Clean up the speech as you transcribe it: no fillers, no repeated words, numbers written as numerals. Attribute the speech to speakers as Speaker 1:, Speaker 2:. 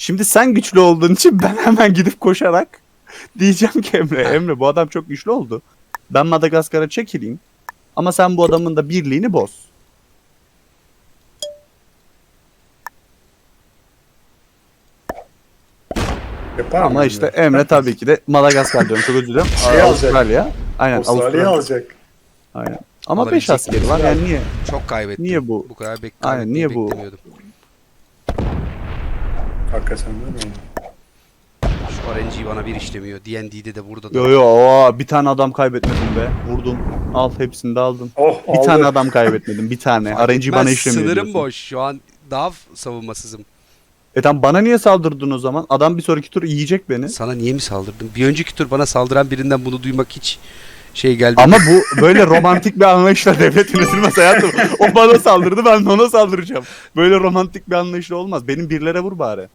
Speaker 1: Şimdi sen güçlü olduğun için ben hemen gidip koşarak diyeceğim ki Emre bu adam çok güçlü oldu. Ben Madagaskar'a çekileyim. Ama sen bu adamın da birliğini boz.
Speaker 2: Yapar
Speaker 1: Ama
Speaker 2: mı
Speaker 1: işte
Speaker 2: Emre?
Speaker 1: Emre tabii ki de Madagaskar diyorum, çok özür dilerim.
Speaker 2: Şey alacak.
Speaker 1: Avustralya. Aynen
Speaker 2: Avustralya'yı
Speaker 1: Avustralya.
Speaker 2: alacak.
Speaker 1: Aynen. Ama 5
Speaker 3: Alabilecek
Speaker 1: askeri var yani niye?
Speaker 3: Çok kaybettim.
Speaker 1: Niye bu?
Speaker 3: Bu kadar
Speaker 1: Aynen, niye bu?
Speaker 3: beklemiyordum.
Speaker 2: Hakikaten değil mi?
Speaker 3: Şu RNG bana bir işlemiyor. D&D'de de burada da.
Speaker 1: Yo bir tane adam kaybetmedim be. Vurdum. Al hepsini de aldım.
Speaker 2: Oh
Speaker 1: Bir
Speaker 2: aldı.
Speaker 1: tane adam kaybetmedim. Bir tane.
Speaker 3: Fark
Speaker 1: RNG bana
Speaker 3: etmez,
Speaker 1: işlemiyor
Speaker 3: sınırım
Speaker 1: diyorsun.
Speaker 3: boş. Şu an daha savunmasızım.
Speaker 1: Tamam bana niye saldırdın o zaman? Adam bir sonraki tur yiyecek beni.
Speaker 3: Sana niye mi saldırdım? Bir önceki tur bana saldıran birinden bunu duymak hiç şey geldi.
Speaker 1: Ama bu böyle romantik bir anlayışla devlet yönetilmez hayatım. O bana saldırdı, ben de ona saldıracağım. Böyle romantik bir anlayışla olmaz. Benim birlere vur bari.